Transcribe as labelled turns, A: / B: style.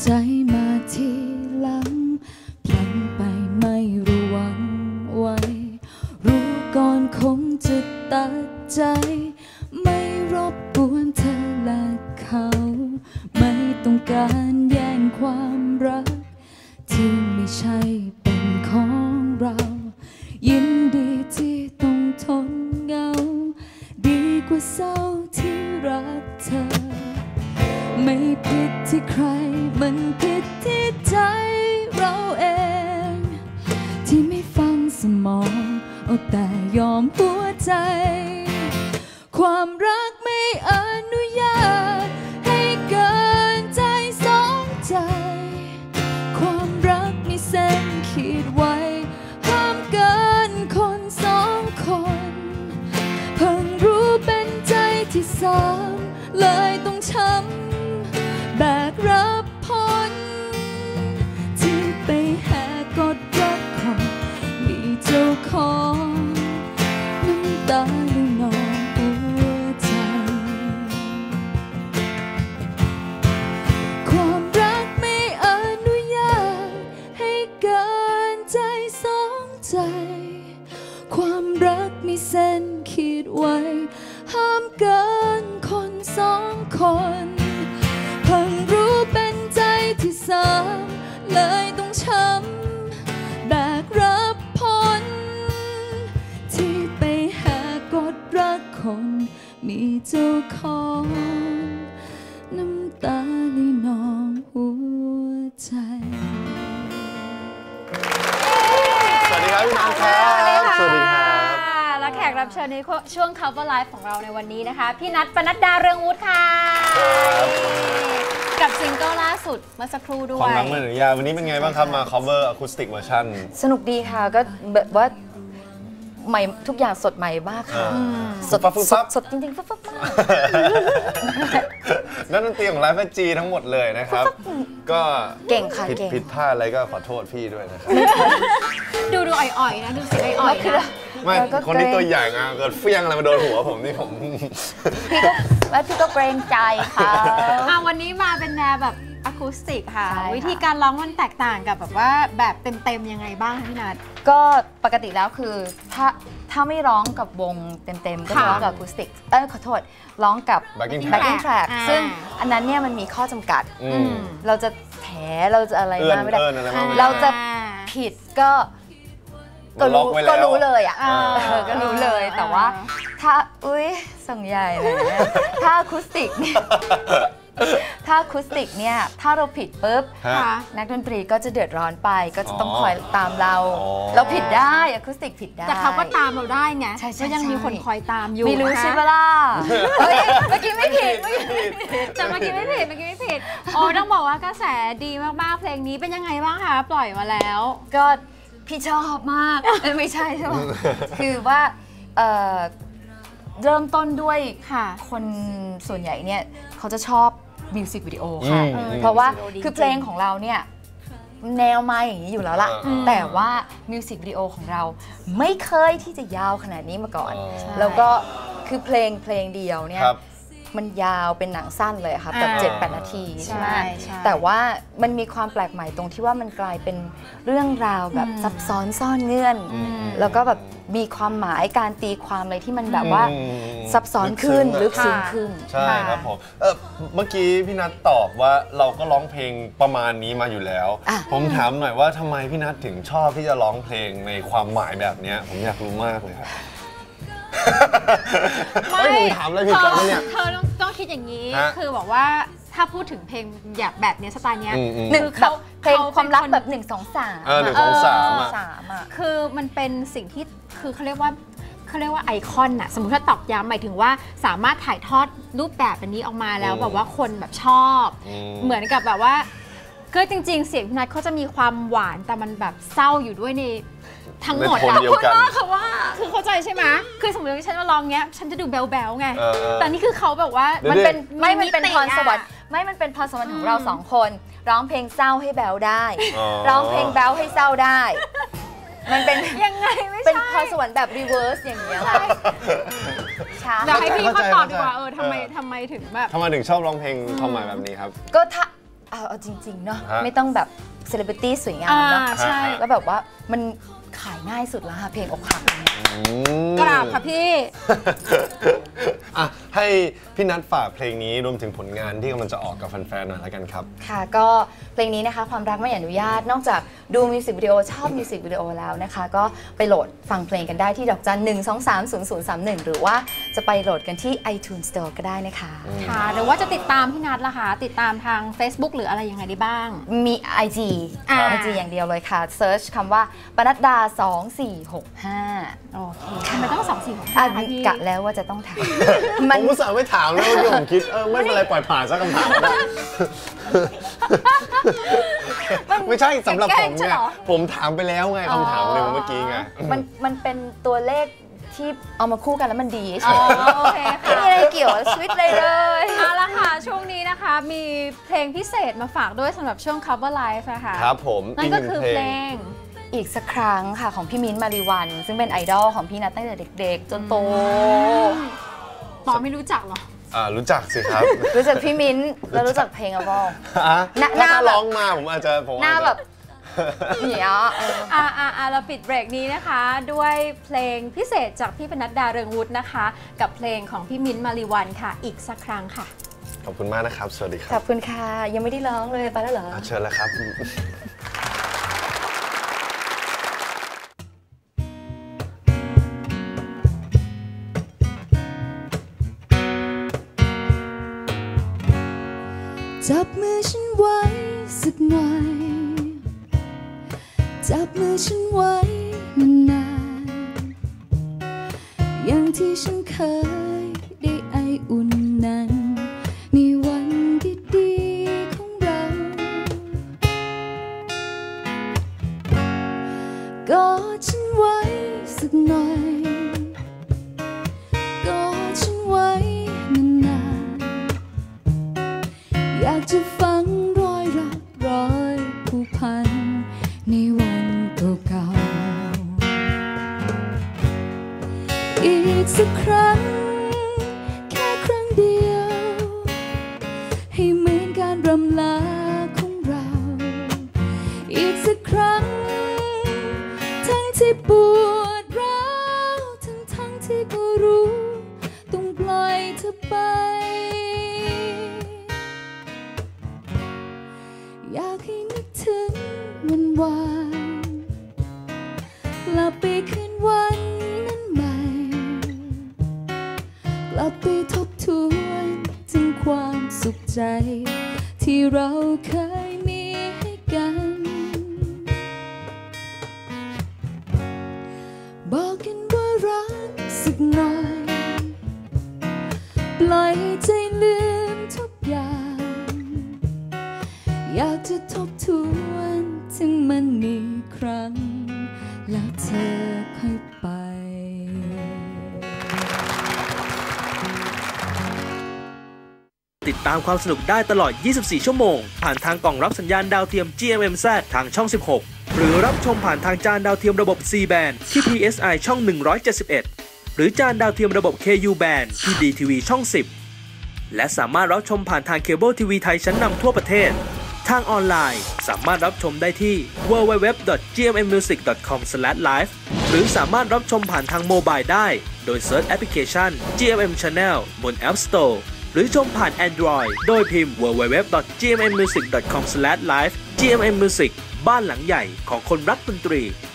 A: ใจมาทีหลังพลันไปไม่ระวังไว้รู้ก่อนคงจะตัดใจไม่รบกวนเธอและเขาไม่ต้องการแย่งความรักที่ไม่ใช่เป็นของเรายินดีที่ต้องทนเหงาดีกว่าเศร้าที่รักเธอไม่ผิดที่ใครมันผิดที่ใจเราเองที่ไม่ฟังสมองเอาแต่ยอมหัวใจความรักไม่อนุญาตให้เกินใจสองใจความรักมีเส้นขีดไว้ห้ามเกินคนสองคนเพิ่งรู้เป็นใจที่สามเลยต้องช้ำแบกรับผลที่ไปแหกกฎรักคนมีเจ้าของน้ำตาลึงนองหัวใจความรักไม่อนุญาตให้เกินใจสองใจความรักมีเส้นขีดไว้ห้ามเกินคนสองคนเพิ่งรู้เป็นใจที่สามเลยต้องช้ำแบกรับผลที่ไปหากฎรักคนมีเจ้าของน้ำตาลีนองหัวใจ
B: สวัสดีครับพี่นัทครับสวัสดีครับ
C: และแขกรับเชิญในช่วง Cover Live ของเราในวันนี้นะคะพี่นัท ปนัดดา เรืองวุฒิค่ะกับซิงเกิลล่าสุดเมื่อสักครู่ด้วย
B: ความรักไม่อนุญาตวันนี้เป็นไงบ้างครับมา cover acoustic version
D: สนุกดีค่ะก็แบบว่าใหม่ทุกอย่างสดใหม่มากค่ะสดจริงๆฟับมาก
B: นักดนตรีของไลฟ์จีทั้งหมดเลยนะครับก็
D: เก่งค่ะ
B: ผิดพลาดอะไรก็ขอโทษพี่ด้วยนะครับ
C: ดูอ่อยๆนะดูเสียงอ่อยๆนะ
B: ไม่คนที่ตัวใหญ่เกิดเฟี้ยงอะไรมาโดนหัวผมนี่ผม
D: พี่ก็เกรงใจค่ะ
C: วันนี้มาเป็นแนวแบบอะคูสติกค่ะวิธีการร้องมันแตกต่างกับแบบว่าแบบเต็มๆยังไงบ้างพี่นัท
D: ก็ปกติแล้วคือถ้าไม่ร้องกับวงเต็มๆก็ร้องกับอะคูสติกขอโทษร้องกับ
B: backing
D: track ซึ่งอันนั้นเนี่ยมันมีข้อจำกัดเราจะแถเราจะอะไรมาไม่ได้เราจะผิดก็รู้เลยอ่ะก็รู้เลยแต่ว่าถ้าส่งใหญ่เลยถ้าอะคูสติกเนี่ยถ้าอะคูสติกเนี่ยถ้าเราผิดปุ๊บนักดนตรีก็จะเดือดร้อนไปก็จะต้องคอยตามเราผิดได้อะคูสติกผิดได้
C: แต่เขาก็ตามเราได้ไงก็ยังมีคนคอยตามอยู่
D: ไม่รู้ใช่ปะล่ะเมื่อกี้ไม่ผิด
C: แต่เมื่อกี้ไม่ผิดต้องบอกว่ากระแสดีมากๆเพลงนี้เป็นยังไงบ้างคะปล่อยมาแล้ว
D: ก็พี่ชอบมากไม่ใช่ใช่ไหมคือว่าเริ่มต้นด้วยคนส่วนใหญ่เนี่ยเขาจะชอบมิวสิกวิดีโอค่ะเพราะว่าคือเพลงของเราเนี่ยแนวมาอย่างนี้อยู่แล้วล่ะแต่ว่ามิวสิกวิดีโอของเราไม่เคยที่จะยาวขนาดนี้มาก่อนแล้วก็คือเพลงเดียวเนี่ยมันยาวเป็นหนังสั้นเลยค่ะแบบ 7-8 นาทีใช่ไหมแต่ว่ามันมีความแปลกใหม่ตรงที่ว่ามันกลายเป็นเรื่องราวแบบซับซ้อนซ่อนเงื่อนแล้วก็แบบมีความหมายการตีความอะไรที่มันแบบว่าซับซ้อนขึ้นลึกซึ้งขึ้น
B: ใช่ครับผมเมื่อกี้พี่นัทตอบว่าเราก็ร้องเพลงประมาณนี้มาอยู่แล้วผมถามหน่อยว่าทำไมพี่นัทถึงชอบที่จะร้องเพลงในความหมายแบบนี้ผมอยากรู้มากเลยครับ
C: ไม่ผมถามอะไรผิดกันเนี่ยเธอต้องคิดอย่างนี้คือบอกว่าถ้าพูดถึงเพลงแบบนี้สไตล์นี้
D: คือเขาเพลงความรักแบบ1 2 3
C: คือมันเป็นสิ่งที่คือเขาเรียกว่าไอคอนน่ะสมมติถ้าตอกย้ำหมายถึงว่าสามารถถ่ายทอดรูปแบบอันนี้ออกมาแล้วแบบว่าคนแบบชอบเหมือนกับแบบว่าคือจริงๆเสียงพี่นัทเขาจะมีความหวานแต่มันแบบเศร้าอยู่ด้วยในทั้งหมดอะพูดว่าเขาว่าคือเข้าใจใช่ไหมคือสมมติว่าฉันมาลองเงี้ยฉันจะดูแบ๊วๆไงแต่นี่คือเขาแบบว่า
D: มันเป็นพรสวรรค์มันเป็นพรสวรรค์ของเรา2 คนร้องเพลงเศร้าให้แบ๊วได้ร้องเพลงแบ๊วให้เศร้าได้มันเป็น
C: ยังไงไม่ใช่
D: เป็นพรสวรรค์แบบรีเวิร์สอย่างเงี้ยค่ะ
C: เดี๋ยวให้พี่เขาตอบดีกว่าทำไมถึงแบบ
B: ทำไมถึงชอบร้องเพลงความหมายแบบนี้ครับ
D: ก็เอาจริงๆเนาะไม่ต้องแบบเซเลบริตี้สวยงามเนาะ
C: ใช่
D: แล้วแบบว่ามันขายง่ายสุดแล้วค่ะเพลงอกหักเนี่ย
C: กราบค่ะพี่
B: ให้พี่นัทฝากเพลงนี้รวมถึงผลงานที่กำลังจะออกกับแฟนๆหน่อยแล้วกันครับ
D: ค่ะก็เพลงนี้นะคะความรักไม่อนุญาตนอกจากดูมิวสิกวิดีโอชอบมิวสิกวิดีโอแล้วนะคะก็ไปโหลดฟังเพลงกันได้ที่ดอกจัน 1230031 หรือว่าจะไปโหลดกันที่ iTunes Store ก็ได้นะคะ
C: ค่ะหรือว่าจะติดตามพี่นัทล่ะคะติดตามทาง Facebook หรืออะไรยังไงได้บ้าง
D: มี IG อย่างเดียวเลยค่ะเซิร์ชคำว่าปนัดดา2465
C: โอเคทำไมต้อง2465
D: พี่กะแล้วว่าจะต้องถาม
B: ผมอุตส่าห์ไม่ถามแล้วที่ผมคิดไม่เป็นไรปล่อยผ่านสักคำถามไม่ใช่สำหรับผมไงผมถามไปแล้วไงคำถามหนึ่งเมื่อกี้ไง
D: มันเป็นตัวเลขที่เอามาคู่กันแล้วมันดีใช่ไหมโอเคค่ะไม่มีอะไรเกี่ยวกับชีวิตเลย
C: เอาละค่ะช่วงนี้นะคะมีเพลงพิเศษมาฝากด้วยสำหรับช่วง Cover Live นะคะ
B: ครับผม
C: นั่นก็คือเพลง
D: อีกสักครั้งค่ะของพี่มิ้นท์ มาริวันซึ่งเป็นไอดอลของพี่นัทตั้งแต่เด็กๆจนโต
C: ปอไม่รู้จักหรอ
B: รู้จักสิครับ
D: รู้จักพี่มิ้นท์แล้วรู้จักเพลงอะบ้าง
B: หน้าร้องมาผมอาจจะ
D: หน้าแบบเนี่ย
C: เราปิดเบรกนี้นะคะด้วยเพลงพิเศษจากพี่ปนัดดาเรืองวุฒินะคะกับเพลงของพี่มิ้นท์ มาริวันค่ะอีกสักครั้งค่ะ
B: ขอบคุณมากนะครับสวัสดีครับ
D: ขอบคุณค่ะยังไม่ได้ร้องเลยไปแล้วเหรอ
B: เชิญแล้วครับ
A: จับมือฉันไว้สักหน่อยจับมือฉันไว้นานๆอย่างที่ฉันเคยได้ไออุ่นนั้นในวันดีๆของเรากอดฉันไว้สักหน่อยกอดฉันไว้นานๆอยากจะฟังรอยรักรอยผูกพันในวันเก่าๆอีกสักครั้งแค่ครั้งเดียวให้เหมือนการรำลาของเราอีกสักครั้งทั้งที่ปวดร้าวทั้งที่ก็รู้ต้องปล่อยเธอไปอยากให้นึกถึงวันวานกลับไปคืนวันนั้นใหม่กลับไปทบทวนถึงความสุขใจที่เราเคยมีให้กันบอกกันว่ารักสักหน่อยปล่อยใจลืมทุกอย่างอยากจะทบทวนถึงมันอีกครั้งแล้วเธอค่อยไป
E: ติดตามความสนุกได้ตลอด 24 ชั่วโมงผ่านทางกล่องรับสัญญาณดาวเทียม GMMZ ทางช่อง 16 หรือรับชมผ่านทางจานดาวเทียมระบบ C band ที่ PSI ช่อง 171 หรือจานดาวเทียมระบบ KU band ที่ DTV ช่อง 10 และสามารถรับชมผ่านทางเคเบิลทีวีไทยชั้นนำทั่วประเทศทางออนไลน์สามารถรับชมได้ที่ www.gmmusic.com/live หรือสามารถรับชมผ่านทางโมบายได้โดยเซิร์ชแอปพลิเคชัน GMM Channel บน App Store หรือชมผ่าน Android โดยพิมพ์ www.gmmusic.com/live GMM Music บ้านหลังใหญ่ของคนรักดนตรี